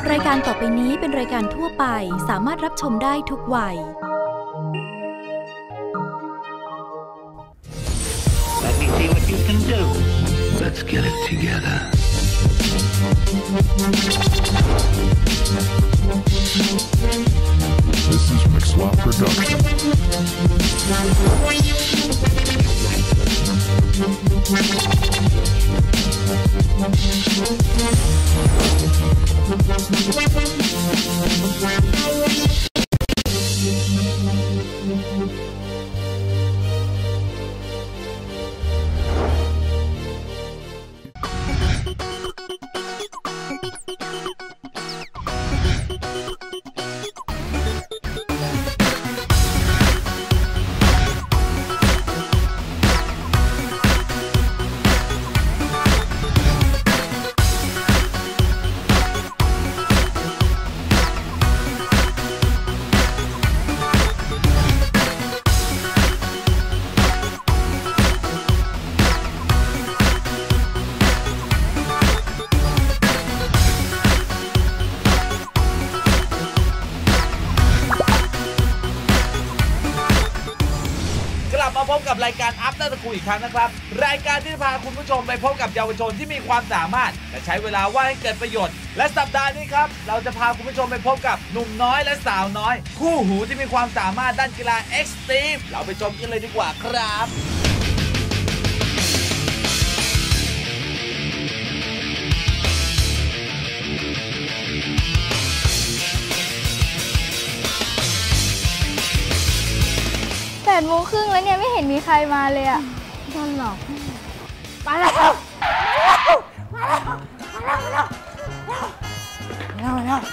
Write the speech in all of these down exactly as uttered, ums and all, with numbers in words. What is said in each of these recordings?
รายการต่อไปนี้เป็นรายการทั่วไปสามารถรับชมได้ทุกวัย Let me see what you can do. Let's get it together. This is Mixlot Production. มาพบกับรายการ After School อีกครั้งนะครับรายการที่พาคุณผู้ชมไปพบกับเยาวชนที่มีความสามารถและใช้เวลาว่างให้เกิดประโยชน์และสัปดาห์นี้ครับเราจะพาคุณผู้ชมไปพบกับหนุ่มน้อยและสาวน้อยคู่หูที่มีความสามารถด้านกีฬาเอ็กซ์ตรีมเราไปชมกันเลยดีกว่าครับแปดโมงครึ่งแล้วเนี่ยไม่เห็นมีใครมาเลยอ่ะโดนหลอกมาแล้วมาแล้วมาแล้วมาแล้วมาแล้วมาแล้ว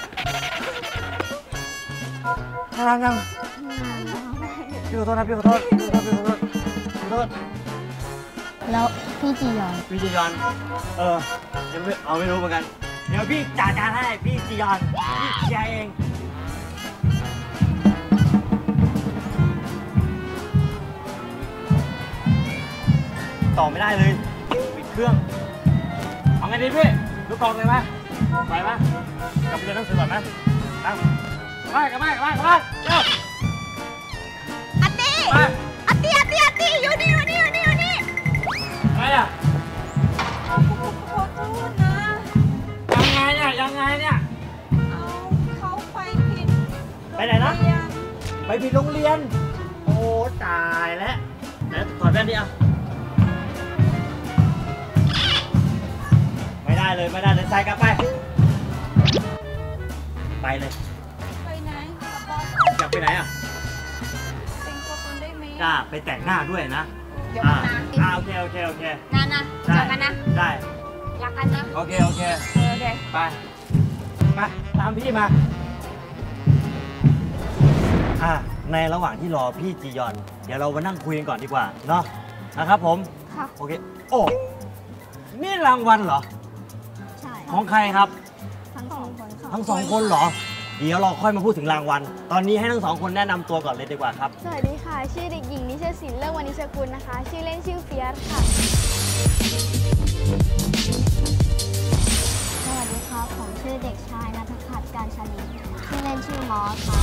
นั่งนั่งพี่ขอโทษนะพี่ขอโทษพี่ขอโทษพี่ขอโทษขอโทษแล้วพี่จียอนพี่จียอนเออยังไม่เอาไม่รู้เหมือนกันเดี๋ยวพี่จ่ายการให้พี่จียอนพี่เคลียร์เองต่อไม่ได้เลยปิดเครื่องเอาไงดีพี่ลูกกองเลยไหมไปไหมกลับไปเรียนหนังสือก่อนไหมตั้งไปกลับไปกลับไปกลับไปเร็วอัตตี้อัตตี้อัตตี้อัตตี้อยู่นี่อยู่นี่อยู่นี่อยู่นี่อะไรอ่ะขอโทษนะยังไงเนี่ยยังไงเนี่ยเอาเขาไปผิดไปไหนนะไปผิดโรงเรียนโอ้ตายแล้วแล้วถอดแว่นดิอ่ะไม่ได้เลยไม่ได้เลยใส่กลับไปไปเลยไปไหนอยากไปไหนอ่ะเป็นตัวตนได้ไหมกล้าไปแต่งหน้าด้วยนะเดี๋ยวมาอ่าโอเคโอเคโอเคนานนะเจอกันนะได้รักกันนะโอเคโอเคโอเคไปไปตามพี่มาอ่าในระหว่างที่รอพี่จียอนเดี๋ยวเรามานั่งคุยกันก่อนดีกว่าเนาะนะครับผมค่ะโอเคโอ้นี่รางวัลเหรอใช่ของใครครับทั้งสองคนทั้งสองคนเหรอเดี๋ยวเราค่อยมาพูดถึงรางวัลตอนนี้ให้ทั้งสองคนแนะนำตัวก่อนเลยดีกว่าครับสวัสดีค่ะชื่อเด็กหญิงนิชศิลป์เลิศวณิชกุลนะคะชื่อเล่นชื่อเฟียสค่ะสวัสดีครับผมชื่อเด็กชายณัฐพัฒน์การชาลีชื่อเล่นชื่อมอสค่ะ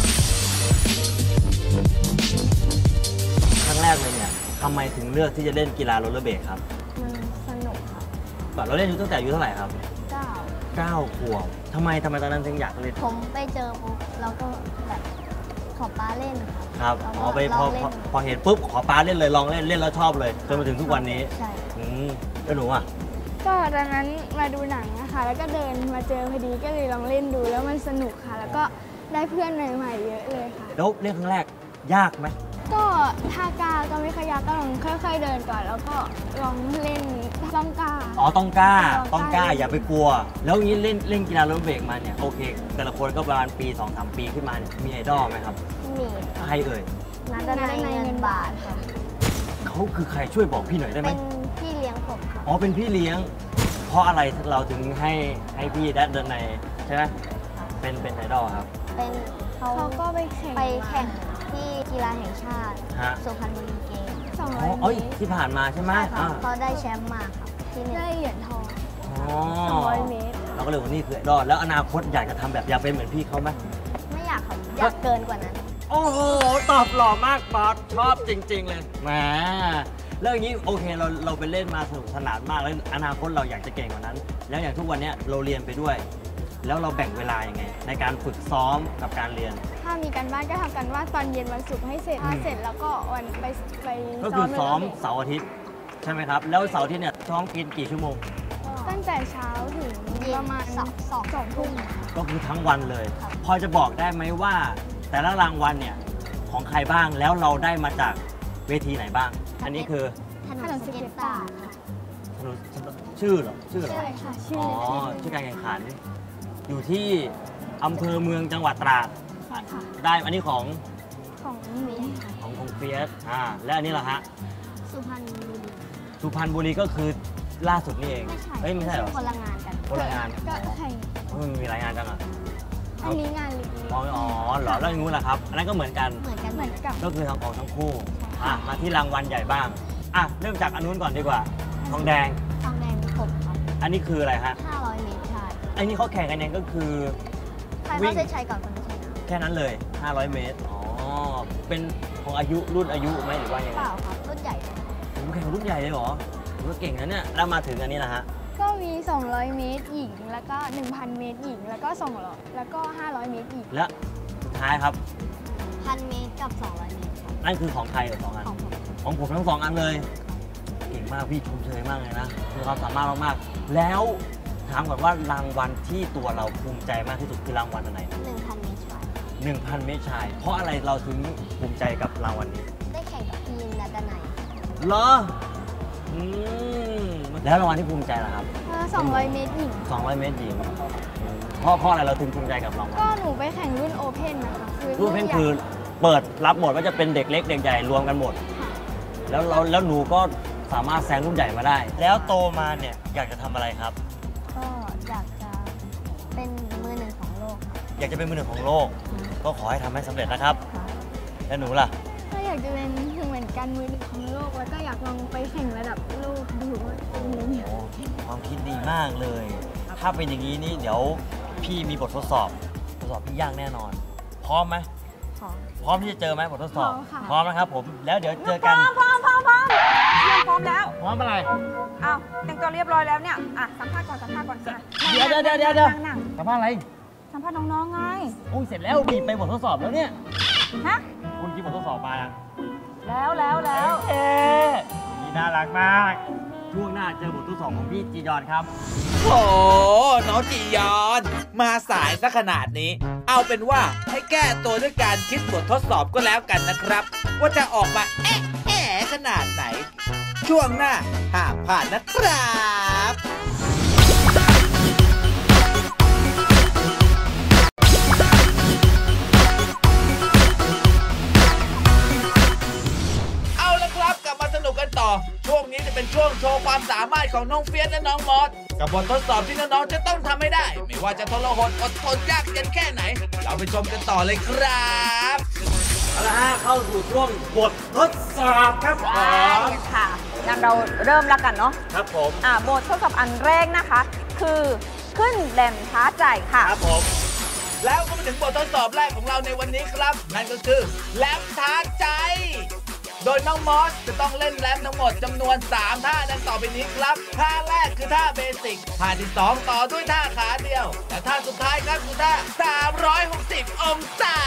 ครั้งแรกเลยเนี่ยทำไมถึงเลือกที่จะเล่นกีฬาโรลเลอร์เบลดครับมันสนุกค่ะเราเล่นอยู่ตั้งแต่อายุเท่าไหร่ครับเก้าเก้าขวบทำไมทำไมตอนนั้นถึงอยากเล่นผมไปเจอปุ๊บแล้วก็แบบขอป้าเล่นครับอ๋อไปพอพอเห็นปุ๊บขอป้าเล่นเลยลองเล่นเล่นแล้วชอบเลยจนมาถึงทุกวันนี้ใช่อืมแล้วหนูอ่ะก็ตอนนั้นมาดูหนังนะคะแล้วก็เดินมาเจอพอดีก็เลยลองเล่นดูแล้วมันสนุกค่ะแล้วก็ได้เพื่อนใหม่ๆเยอะเลยค่ะแล้วเล่นครั้งแรกยากไหมก็ท่ากล้าก็ไม่ค่อยยากก็ลองค่อยๆเดินก่อนแล้วก็ลองเล่นต้องกล้าอ๋อต้องกล้าต้องกล้าอย่าไปกลัวแล้วงี้เล่นเล่นกีฬาโรลเลอร์เบลดมาเนี่ยโอเคแต่ละคนก็ประมาณปีสองสามปีขึ้นมาเนี่ยมีไอดอลไหมครับมีใครเอ่ยนัดนัยเงินบาทค่ะเขาคือใครช่วยบอกพี่หน่อยได้ไหมเป็นพี่เลี้ยงผมค่ะอ๋อเป็นพี่เลี้ยงเพราะอะไรเราถึงให้ให้พี่นัดนัยใช่ไหมเป็นเป็นไอดอลครับเป็นเขาก็ไปแข่งไปแข่งที่กีฬาแห่งชาติสุพรรณบุรีเกมส์สองร้อยเมตรที่ผ่านมาใช่ไหมเขาได้แชมป์มาครับที่ได้เหรียญทองสองร้อยเมตรเราก็เลยว่านี่คือไอดอลแล้วอนาคตอยากจะทำแบบอยากเป็นเหมือนพี่เขาไหมไม่อยากครับอยากเกินกว่านั้นโอ้โหตอบหล่อมากบอสชอบจริง ๆ เลยแหมเรื่องนี้โอเคเราเราไปเล่นมาสนุกสนานมากแล้วอนาคตเราอยากจะเก่งกว่านั้น แล้วอย่างทุกวันนี้เราเรียนไปด้วย แล้วเราแบ่งเวลายังไงในการฝึกซ้อมกับการเรียนถ้ามีการบ้านก็ทำกันบ้านตอนเย็นวันศุกร์ให้เสร็จถ้าเสร็จแล้วก็วันไปไปก็คือซ้อมเสาร์อาทิตย์ใช่ไหมครับแล้วเสาร์อาทิตย์เนี่ยซ้อมกินกี่ชั่วโมงตั้งแต่เช้าถึงประมาณสองสองสองทุ่มก็คือทั้งวันเลย พอจะบอกได้ไหมว่า แต่ละรางวัลเนี่ยของใครบ้างแล้วเราได้มาจากเวทีไหนบ้าง อันนี้คือถนนสเก็ตบาร์ค่ะถนนชื่อเหรอชื่อเหรอใช่ค่ะชื่ออ๋อชื่อการแข่งขัน อยู่ที่อำเภอเมืองจังหวัดตราดได้อันนี้ของของเมียค่ะของของเฟียสอ่าและอันนี้เหรอฮะสุพรรณบุรีสุพรรณบุรีก็คือล่าสุดนี่เองไม่ใช่เอ้ยไม่ใช่เหรอคนละงานกันคนละงานก็แข่งเฮ้ยมันมีหลายงานจังอ่ะอันนี้งานเล็กอ๋ออ๋อเหรอแล้วอย่างงู้นล่ะครับอันนั้นก็เหมือนกันเหมือนกันเหมือนกับก็คือทางของทั้งคู่อ่ะมาที่รางวัลใหญ่บ้างอ่ะเริ่มจากอันนู้นก่อนดีกว่าทองแดงทองแดงกบครับอันนี้คืออะไรฮะห้าร้อยเมตรใช่อันนี้เขาแข่งกันยังก็คือใครเข้าเส้นชัยก่อนคนนั้นชนะแค่นั้นเลย ห้าร้อย เมตร อ๋อ เป็นของอายุรุ่นอายุไหมหรือว่ายังเปไงล่าครับรุ่นใหญ่เลยผมแข่งรุ่นใหญ่เลยเหรอผมก็เก่งนะเนี่ย แล้วมาถึงอันนี้นะฮะก็มี สองร้อย เมตรหญิง แล้วก็ หนึ่งพัน เมตรหญิง แล้วก็สองร้อยแล้วก็ ห้าร้อย เมตรหญิงและสุดท้ายครับพัน เมตรกับ สองร้อย เมตรครับนั่นคือของใครสองอันของผมของผมทั้งสองอันเลย เก่งมากพี่ชมเชยมากเลยนะมีความสามารถมากๆ แล้วถามก่อนว่ารางวัลที่ตัวเราภูมิใจมากที่สุดคือรางวัลอะไรหนึ่งพัน เมตรชายหนึ่งพัน เมตรชาย เพราะอะไรเราถึงภูมิใจกับรางวัลนี้ได้แข่งกับทีมนาดาไนเหรอ อืม แล้วรางวัลที่ภูมิใจล่ะครับสองร้อย เมตรหญิงสองร้อย เมตรหญิงอืมเพราะเพราะอะไรเราถึงภูมิใจกับรางวัลก็หนูไปแข่งรุ่นโอเพ่นนะคะคือรูปเพนคือเปิดรับหมดว่าจะเป็นเด็กเล็กเด็กใหญ่รวมกันหมด แล้วเราแล้วหนูก็สามารถแซงรุ่นใหญ่มาได้ แล้วโตมาเนี่ยอยากจะทำอะไรครับก็อยากจะเป็นมือหนึ่งของโลกอยากจะเป็นมือหนึ่งของโลก ก็ขอให้ทำให้สำเร็จนะครับค่ะแล้วหนูล่ะก็อยากจะเป็นเหมือนกันมือหนึ่งของโลก แล้วก็อยากลองไปแข่งระดับโลกดูว่าเป็นยังไงโอ้ความคิดดีมากเลย ถ้าเป็นอย่างนี้นี่เดี๋ยวพี่มีบททดสอบทดสอบพี่ยากแน่นอน พร้อมไหมขอพร้อมที่จะเจอไหมบททดสอบพร้อมค่ะพร้อมนะครับผม แล้วเดี๋ยวเจอกันพร้อมพร้อมพร้อมเตรียมพร้อมแล้วพร้อมอะไรอ้าวแต่งตัวเรียบร้อยแล้วเนี่ย อ่ะ สัมภาษณ์ก่อน สัมภาษณ์ก่อนอ่ะเดี๋ยวเดี๋ยวเดี๋ยวเดี๋ยวเดี๋ยวนั่งนั่งสัมภาษณ์อะไรสัมภาษณ์น้องๆไงโอ้ยเสร็จแล้วบีบไปบททดสอบแล้วเนี่ยฮะคุณคิดบททดสอบมายังแล้วแล้วแล้วเอ๊ะนี่น่ารักมาก ช่วงหน้าเจอบททดสอบของพี่จียอนครับโอ้น้องจียอน มาสายซะขนาดนี้ เอาเป็นว่าให้แก้ตัวด้วยการคิดบททดสอบก็แล้วกันนะครับ ว่าจะออกมาแอะแอะขนาดไหน ช่วงหน้าห้ามพลาดนะครับ เอาละครับกลับมาสนุกกันต่อ ช่วงนี้จะเป็นช่วงโชว์ความสามารถของน้องเฟียสและน้องมอสกับบททดสอบที่น้องๆจะต้องทำให้ได้ ไม่ว่าจะทรหดอดทนยากเย็นแค่ไหน เราไปชมกันต่อเลยครับเอาละฮะเข้าสู่ช่วงบททดสอบครับผมค่ะงั้นเราเริ่มแล้วกันเนาะครับผมอ่าบททดสอบอันแรกนะคะ คือขึ้นแหลมท้าใจค่ะครับผมแล้วก็มาถึงบททดสอบแรกของเราในวันนี้ครับ นั่นก็คือแรมท้าใจ โดยน้องมอสจะต้องเล่นแรมทั้งหมดจำนวน สาม ท่าดังต่อไปนี้ครับ ท่าแรกคือท่าเบสิก ท่าที่ สอง ต่อด้วยท่าขาเดียว และท่าสุดท้ายครับคือท่า สามร้อยหกสิบ องศา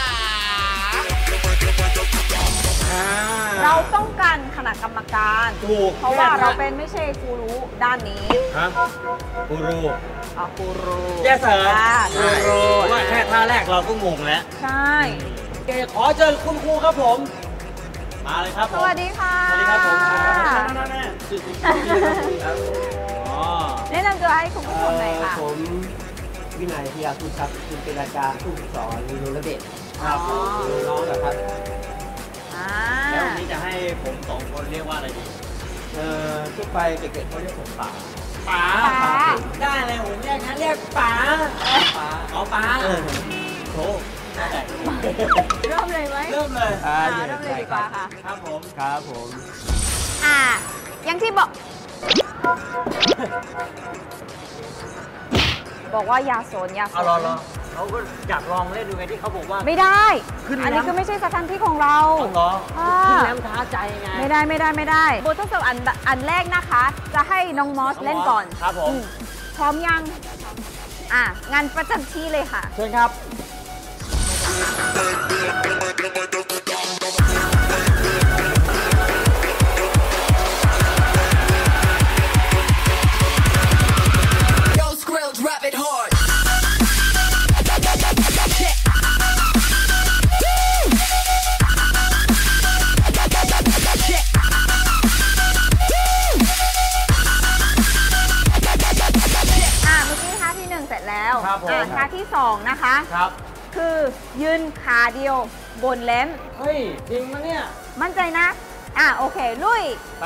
เราต้องการคณะกรรมการถูกเพราะว่าเราเป็นไม่ใช่กูรู้ด้านนี้ฮะกูรูอ่ะกูรู้แย่เสริมอ่ากูรูว่าแค่ท่าแรกเราก็งงแล้วใช่เกขอเชิญคุณครูครับผม มาเลยครับผมสวัสดีค่ะสวัสดีครับผมนั่นๆๆๆชื่อคุณครูครับอ๋อแนะนำตัวให้คุณผู้ชมหน่อยค่ะผมวินัยพิยาคุณครับคุณเป็นอาจารย์ผู้ฝึกสอนมีรุนระเดชครับน้องๆนะครับอ่าแล้ววันนี้จะให้ผมสองคนเรียกว่าอะไรดีเอ่อทั่วไปเด็กๆเขาเรียกผมป๋าป๋าป๋าได้เลยผมเรียกงั้นเรียกป๋าป๋าเอาป๋าเออโถเริ่มเลยไหมเริ่มเลยอ่าอ่าอยู่ในเริ่มเลยใจดีกครัว่าบค่ะครับผมครับผมอ่าอย่างที่บอกบอกว่าอย่าสนอย่าสเอานรอรอเขาก็อยากลองเล่นดูไงที่เขาบอกว่าไม่ได้ขึ้นแรมอันนี้ก็ไม่ใช่สถานที่ของเราเอาเหรอค่ะขึ้นแรมท้าใจไงไม่ได้ไม่ได้ไม่ได้บททดสอบอันอันแรกนะคะ จะให้น้องมอสเล่นก่อนครับผมอืมพร้อมยังอ่ะงานประจำที่เลยค่ะเชิญครับอ่ะเมื่อกี้ท่าที่หนึ่งเสร็จแล้วครับผมอ่ะท่าที่สองนะคะครับคือยืนขาเดียวบนแล้มเฮ้ย จริงมะเนี่ยมั่นใจนะ อ่ะโอเค ลุยไป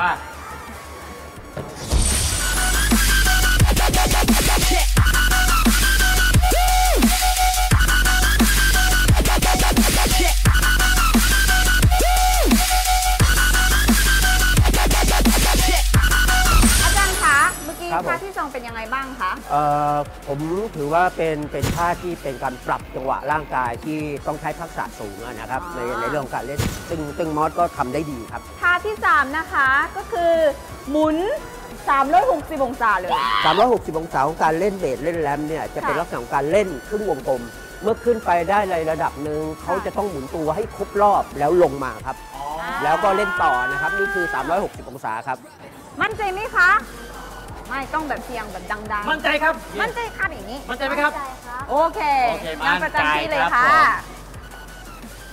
อาจารย์คะ เมื่อกี้ครับผมท่าที่สองเป็นยังไงบ้างคะเอ่อผมถือว่าเป็นเป็นท่าที่เป็นการปรับจังหวะร่างกายที่ต้องใช้ทักษะสูงอะนะครับ ในในเรื่องของการเล่นซึ่งซึ่งมอสก็ทำได้ดีครับท่าที่สามนะคะก็คือหมุนสามร้อยหกสิบองศาเลยสามร้อยหกสิบองศาของการเล่นเบสเล่นแรมเนี่ยจะเป็นค่ะลักษณะของการเล่นครึ่งวงกลม เมื่อขึ้นไปได้ในระดับหนึ่งเขาจะต้องหมุนตัวให้ครบรอบแล้วลงมาครับ แล้วก็เล่นต่อนะครับนี่คือ สามร้อยหกสิบองศาครับมั่นใจไหมคะ ไม่ต้องแบบเสียงแบบดังๆมั่นใจครับมั่นใจค่ะอย่างนี้มั่นใจไหมครับโอเคโอเคงานประจำที่เลยมั่นใจค่ะครับผม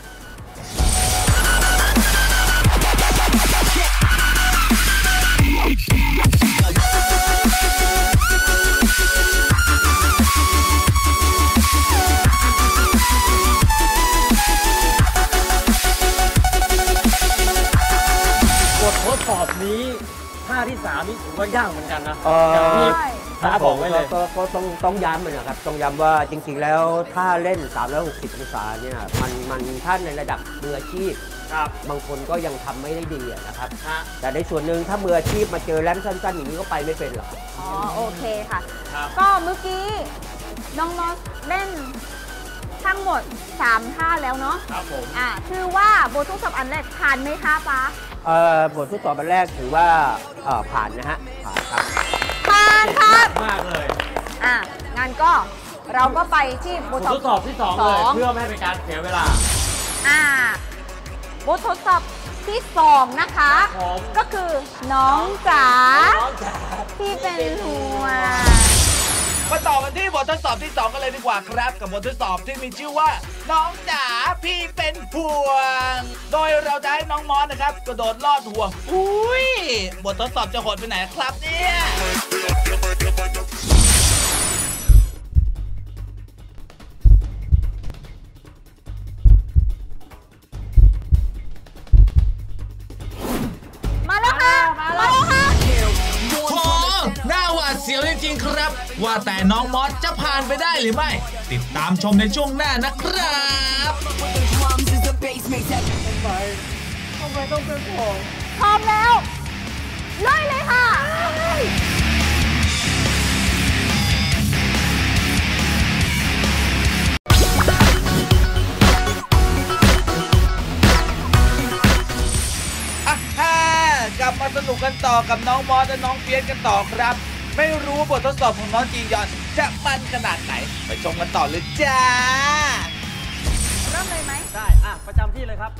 บททดสอบนี้ท่าที่สามนี่ถือว่ายากเหมือนกันนะเอ่ออย่างที่ใช่ท้าบอกไว้เลยก็ก็ก็ต้องต้องย้ำเลยนะครับ ต้องย้ำว่าจริงๆ แล้วถ้าเล่น สามร้อยหกสิบองศาเนี่ยมันมันถ้าในระดับมืออาชีพครับบางคนก็ยังทำไม่ได้ดีอะนะครับฮะแต่ในส่วนหนึ่งถ้ามืออาชีพมาเจอแรมสั้นๆ อย่างนี้ก็ไปไม่เป็นหรอกอ๋อโอเคค่ะครับก็เมื่อกี้น้องมอสเล่นทั้งหมดสามท่าแล้วเนาะครับผมอ่าคือว่าบททดสอบอันแรกผ่านไหมคะป๊าเอ่อบททดสอบอันแรกถือว่าเอ่อผ่านนะฮะ ผ่านครับผ่านครับมากเลยอ่ะงั้นก็เราก็ไปที่บบ ทททดสอบที่สองเลย เพื่อไม่ให้เป็นการเสียเวลาอ่าบททดสอบที่สองนะคะครับผมก็คือน้องจ๋าน้องจ๋าที่เป็นห่วงมาต่อกันที่บททดสอบที่สองกันเลยดีกว่าครับ กับบททดสอบที่มีชื่อว่า น้องจ๋าพี่เป็นห่วง โดยเราจะให้น้องมอสนะครับกระโดดลอดห่วงอุ้ยบททดสอบจะโหดไปไหนครับเนี่ยมาแล้วค่ะ มาแล้วค่ะโอ้หน้าหวาดเสียวจริงๆครับ ว่าแต่น้องมอสจะผ่านไปได้หรือไม่ ติดตามชมในช่วงหน้านะครับพร้อมแล้วเลยเลยค่ะอ่ะฮ่ากลับมาสนุกกันต่อกับน้องมอสและน้องเฟียสกันต่อครับ ไม่รู้ว่าบททดสอบของน้องจียอนจะมันขนาดไหน ไปชมกันต่อเลยจ้าเริ่มเลยไหมได้ อ่ะ ประจำที่เลยครับ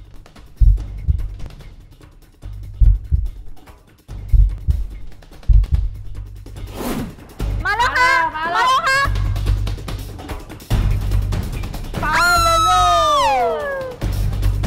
มาแล้วค่ะ มาแล้วค่ะไปเลยลูก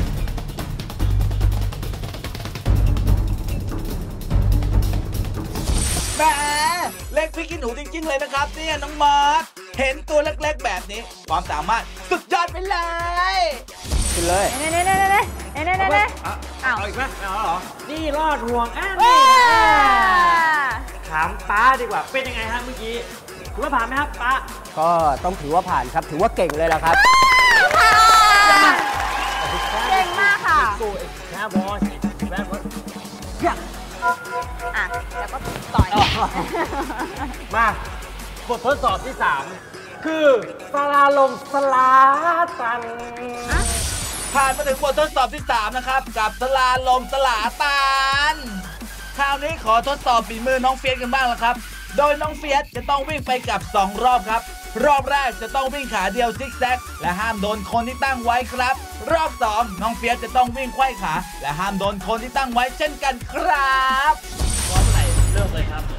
แหมเล็กพี่กินหนูจริงๆเลยนะครับเนี่ยน้องมอสเห็นตัวเล็กๆแบบนี้ ความสามารถสุดยอดไปเลยขึ้นเลยเน่เน่เน่เน่เน่เน่เน่เน่เน่อ่ะอ้าวเอาอีกไหมไม่เอาแล้วเหรอ นี่รอดห่วงอ่ะว้นี่าถามป้าดีกว่า เป็นยังไงฮะเมื่อกี้ถือว่าผ่านไหมครับป้าก็ต้องถือว่าผ่านครับ ถือว่าเก่งเลยละครับเก่งมากค่ะกูเอ็กซ์แค่บอสแบดบอสอ่ะ แล้วก็ต่อยมา บททดสอบที่สามคือสลาลมสลาตันผ่านมาถึงบททดสอบที่สามนะครับกับสลาลมสลาตันคราวนี้ขอทดสอบฝีมือน้องเฟียสกันบ้างละครับโดยน้องเฟียสจะต้องวิ่งไปกับสองรอบครับรอบแรกจะต้องวิ่งขาเดียวซิกแซกและห้ามโดนคนที่ตั้งไว้ครับรอบสองน้องเฟียสจะต้องวิ่งไขว้ขาและห้ามโดนคนที่ตั้งไว้เช่นกันครับพร้อมไหนเริ่มเลยครับ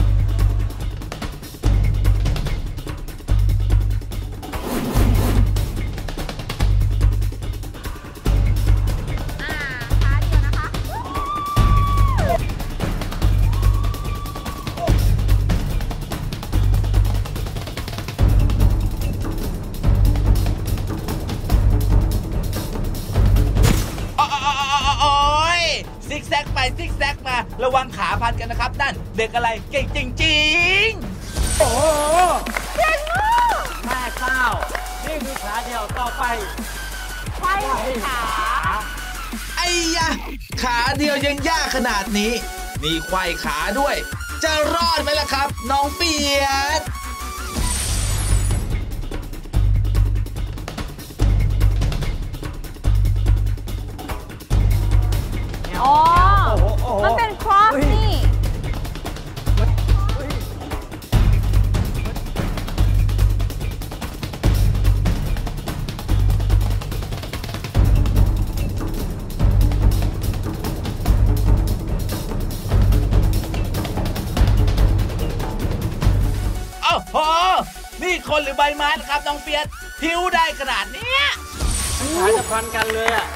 ซิกแซกไปซิกแซกมาระวังขาพันกันนะครับนั่นเด็กอะไรเก่งจริงๆโอ้เก่งมากแม่เจ้านี่คือขาเดียวต่อไปไขว้ขาไอ้ยะขาเดียวยังยากขนาดนี้มีไขว้ขาด้วยจะรอดไหมล่ะครับน้องเฟียสอ๋อมันเป็นครอสนี่โอ้โหนี่คนหรือใบไม้นะครับน้องเฟียสพิ้วได้ขนาดนี้ขาจะพันกันเลยอ่ะ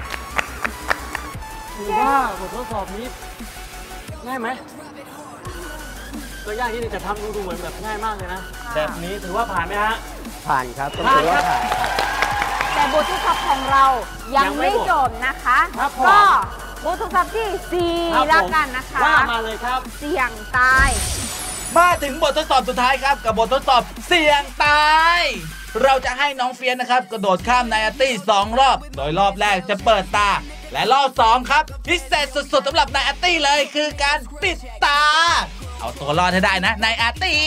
ถือว่าบททดสอบนี้ง่ายไหมตัวยากที่จะทำดูเหมือนแบบง่ายมากเลยนะแบบนี้ถือว่าผ่านไหมฮะผ่านครับต้องถือว่าผ่านแต่บททดสอบของเรายังไม่จบนะคะก็บททดสอบที่สี่แล้วกันนะคะว่ามาเลยครับเสี่ยงตายมาถึงบททดสอบสุดท้ายครับกับบททดสอบเสี่ยงตายเราจะให้น้องเฟียสนะครับกระโดดข้ามไนอาร์ตี้สองรอบโดยรอบแรกจะเปิดตาและรอบสองครับพิเศษสุดๆสำหรับนายอาร์ตี้เลยคือการปิดตาเอาตัวรอดให้ได้นะนายอาร์ตี้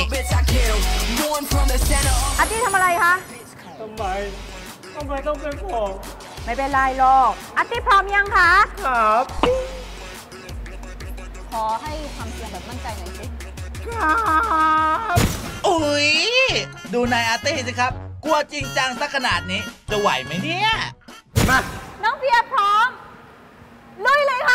อาร์ตี้ทำอะไรคะทำไมทำไมต้องเป็นผมไม่เป็นไรหรอกอาร์ตี้พร้อมยังคะครับขอให้ทำเสียงแบบมั่นใจหน่อยสิครับอุ๊ยดูนายอาร์ตี้สิครับกลัวจริงจังสักขนาดนี้จะไหวไหมเนี่ยมาน้องเฟียพร้อมลุยเลยค่ะ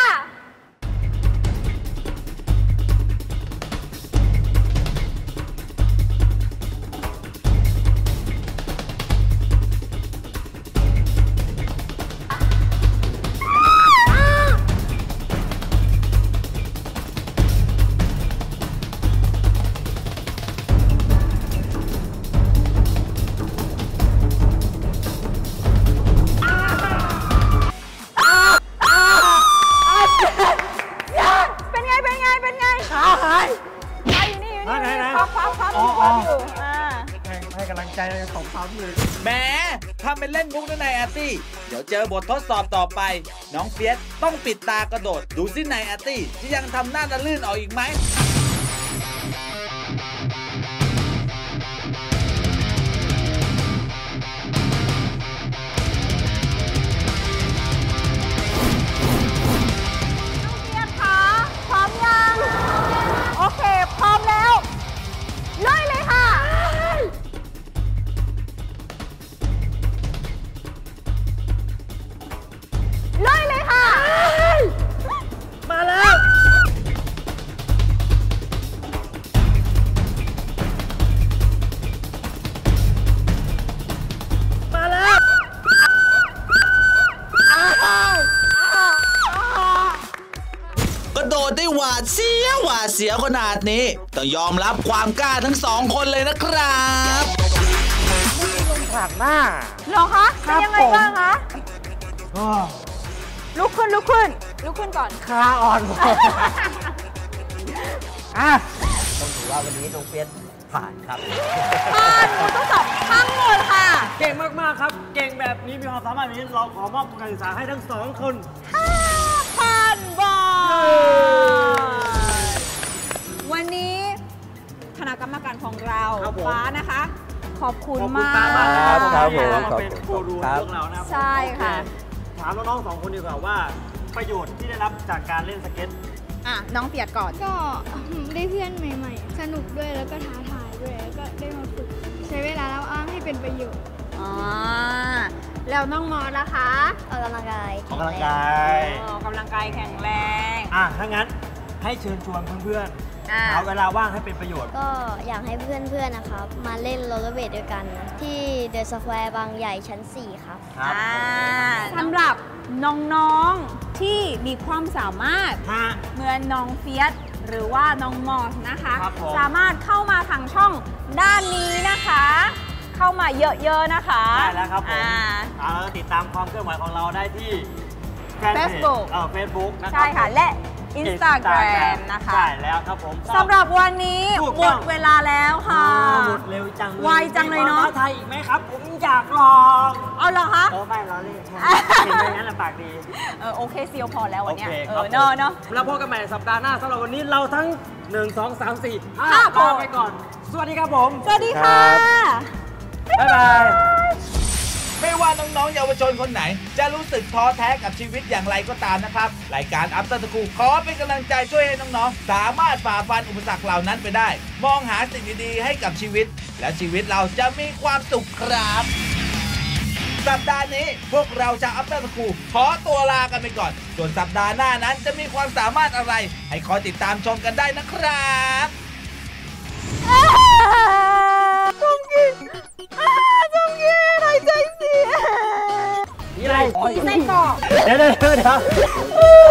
สองสามเลยแหมทำเป็นเล่นมุกนะนายอาร์ตี้เดี๋ยวเจอบททดสอบต่อไปน้องเฟียสต้องปิดตากระโดดดูสินายอาร์ตี้จะยังทำหน้าตะลื่นออกอีกไหมได้หวาดเสียหวาดเสียขนาดนี้ต้องยอมรับความกล้าทั้งสองคนเลยนะครับผ่านหน้าเหรอคะเป็นยังไงบ้างคะลุกขึ้นลุกขึ้นลุกขึ้นก่อนขาอ่อนอ่ะต้องถือว่าวันนี้น้องเฟียสผ่านครับผ่านหนูต้องสอบทั้งหมดค่ะเก่งมากๆครับเก่งแบบนี้มีความสามารถแบบนี้เราขอมอบทุนการศึกษาให้ทั้งสองคนห้าพันบาทวันนี้ธณะกรรมการของเราครับผมฟ้านะคะ ขอบคุณขอบคุณมากฟ้ามากนะครับครับผมที่มาเป็นกูรูเรื่องเรานะครับใช่ค่ะโอเถามน้องๆสองคนดีกว่าว่าประโยชน์ที่ได้รับจากการเล่นสเก็ตอ่ะ น้องเปียกก่อนก็ได้เพื่อนใหม่ๆ สนุกด้วยแล้วก็ท้าทายด้วยแล้วก็ได้มาฝึกใช้เวลาแล้วอ้างให้เป็นประโยชน์อ๋อ แล้วน้องมอสนะคะออกกำลังกายออกกำลังกายออกกำลังกายแข็งแรงอ่ะถ้างั้นให้เชิญชวนเพื่อนอ่ะๆเอาเวลาว่างให้เป็นประโยชน์ก็อยากให้เพื่อนๆนะครับ มาเล่นโรลเลอร์เบลดด้วยกัน ที่เดอะสแควร์บางใหญ่ชั้น สี่ ครับครับอ่าสำหรับน้องๆที่มีความสามารถฮะเหมือนน้องเฟียสหรือว่าน้องมอสนะคะครับผมสามารถเข้ามาทางช่องด้านนี้นะคะ เข้ามาเยอะๆนะคะได้แล้วครับผมอ่าเอาติดตามความเคลื่อนไหวของเราได้ที่แฟนเพจ Facebook เออเฟซบุ๊กนะครับใช่ค่ะ และ Instagram Instagram นะคะใช่แล้วครับผมสำหรับวันนี้ถูกหมต้อดงเวลาแล้วค่ะอ้าวหมดเร็วจังเลยไวจังเลยเนอะมีควมท้าทายอีกไหมครับ ผมอยากลองเอาเหรอคะเออไม่เราเล่นใช่เห็นไหมงั้นลำปากดีเออโอเคเซียวพอแล้ววันเนี้ยโอเคเอครับอเนาะเนาะแล้วพบกันใหม่สัปดาห์หน้าสำหรับวันนี้เราทั้ง หนึ่ง สอง สาม สี่ ห้าห้าลาคนไปก่อน สวัสดีครับผมสวัสดีค่ะบ๊ายบายไม่ว่าน้องๆเยาวชนคนไหน จะรู้สึกท้อแท้กับชีวิตอย่างไรก็ตามนะครับรายการ After School ขอเป็นกำลังใจช่วยให้น้องๆ สามารถฝ่าฟันอุปสรรคเหล่านั้นไปได้ มองหาสิ่งดีๆให้กับชีวิต และชีวิตเราจะมีความสุขครับ สัปดาห์นี้พวกเราชาว After School ขอตัวลากันไปก่อน ส่วนสัปดาห์หน้านั้นจะมีความสามารถอะไร ให้คอยติดตามชมกันได้นะครับจงกินจงกินหายใจเสียนี่อะไรมีไส้กรอกเดี๋ยวเดี๋ยวเดี๋ยว